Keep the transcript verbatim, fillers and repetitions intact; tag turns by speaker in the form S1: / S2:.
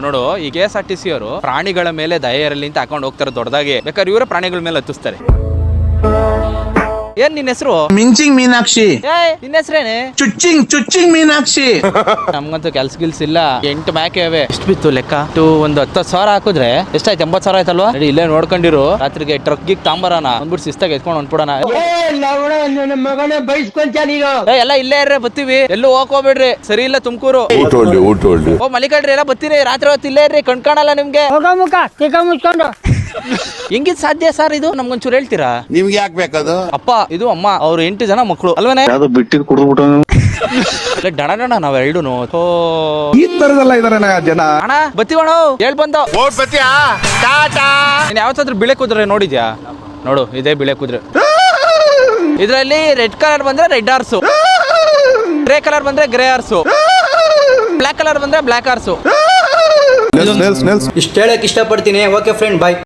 S1: ನೋಡು ಈ K S R T C ಅವರು ಪ್ರಾಣಿಗಳ ಮೇಲೆ ದಯೆ ಇರಲಿ ಅಂತ ಹಾಕೊಂಡು ಹೋಗ್ತಾರೆ ದೊಡ್ಡದಾಗಿ, ಬೇಕಾದ್ರೆ ಇವರ ಪ್ರಾಣಿಗಳ ಮೇಲೆ ಹತ್ತಿಸ್ತಾರೆ. ಏನ್ ನಿನ್ನ ಹೆಸರು?
S2: ಮಿಂಚಿಂಗ್ ಮೀನಾಕ್ಷಿ.
S1: ನಿನ್ನ ಹೆಸರೇನೆ?
S2: ಚುಚ್ಚಿಂಗ್ ಚುಚ್ಚಿಂಗ್ ಮೀನಾಕ್ಷಿ.
S1: ನಮ್ಗಂತೂ ಕೆಲ್ಸ ಗಿಲ್ಸ್ ಇಲ್ಲ. ಎಂಟು ಮೇಕೆ ಇವೆ. ಎಷ್ಟು ಬಿತ್ತು ಲೆಕ್ಕ? ಒಂದು ಹತ್ತು ಸಾವಿರ ಹಾಕಿದ್ರೆ ಎಷ್ಟಾಯ್ತು? ಎಂಬತ್ತು ಸಾವಿರ ಆಯ್ತಲ್ವಾ? ನಡಿ ಇಲ್ಲೇ ನೋಡ್ಕೊಂಡಿರು, ರಾತ್ರಿಗೆ ಟ್ರಕ್ ಗಿಗ್ ತಾಂಬರಾನ ಅಂದ್ಬಿಟ್ಟು ಶಿಸ್ತಾಗ ಎತ್ಕೊಂಡು ಹೊಂಟ್ಬಿಡೋಣ. ಎಲ್ಲ ಇಲ್ಲೇ ಇರ್ರೆ, ಬತ್ತೀವಿ, ಎಲ್ಲೂ ಹೋಗ್ಕೋಬೇಡ್ರಿ. ಸರಿ ಇಲ್ಲ ತುಮಕೂರು. ಓ ಮಲಿಕಡ್ರಿ, ಎಲ್ಲ ಬತ್ತೀರಿ, ರಾತ್ರಿ ಹೊತ್ತು ಇಲ್ಲೇ ಇರ್ರಿ, ಕಣ್ಕಾಣಲ್ಲ ನಿಮ್ಗೆ. ಹೆಂಗಿದ್ ಸಾಧ್ಯ ಸರ್ ಇದು? ನಮ್ಗೊಂಚೂರು ಹೇಳ್ತೀರಾ?
S2: ನಿಮ್ಗೆ ಯಾಕೆ ಬೇಕದು?
S1: ಅಪ್ಪ ಇದು ಅಮ್ಮ, ಅವ್ರು ಎಂಟು ಜನ ಮಕ್ಕಳು ಅಲ್ವೇನೆ?
S3: ಯಾವ್ದು ಬಿಟ್ಟಿದ್ ಕುಡಿದ್ಬಿಟ್ಟು
S1: ಡಣ ಡಣ ನಾವ್ ಎರಡುನು
S3: ಈ ತರದಲ್ಲ ಇದಾರೆ ಜನ.
S1: ಅಣ್ಣ ಬತ್ತೀವಣ, ಹೇಳ್ ಬಂದ ಯಾವತ್ತಾದ್ರೂ ಬಿಳೆ ಕುದ್ರೆ ನೋಡಿದ್ಯಾ? ನೋಡು ಇದೇ ಬಿಳೆ ಕುದ್ರೆ. ಇದ್ರಲ್ಲಿ ರೆಡ್ ಕಲರ್ ಬಂದ್ರೆ ರೆಡ್ ಹಾರ್ಸು, ಗ್ರೇ ಕಲರ್ ಬಂದ್ರೆ ಗ್ರೇ ಹಾರ್ಸು, ಬ್ಲಾಕ್ ಕಲರ್ ಬಂದ್ರೆ ಬ್ಲಾಕ್ ಹಾರ್ಸು.
S4: ಇಷ್ಟ ಹೇಳಕ್ ಇಷ್ಟಪಡ್ತೀನಿ. ಓಕೆ ಫ್ರೆಂಡ್, ಬಾಯ್.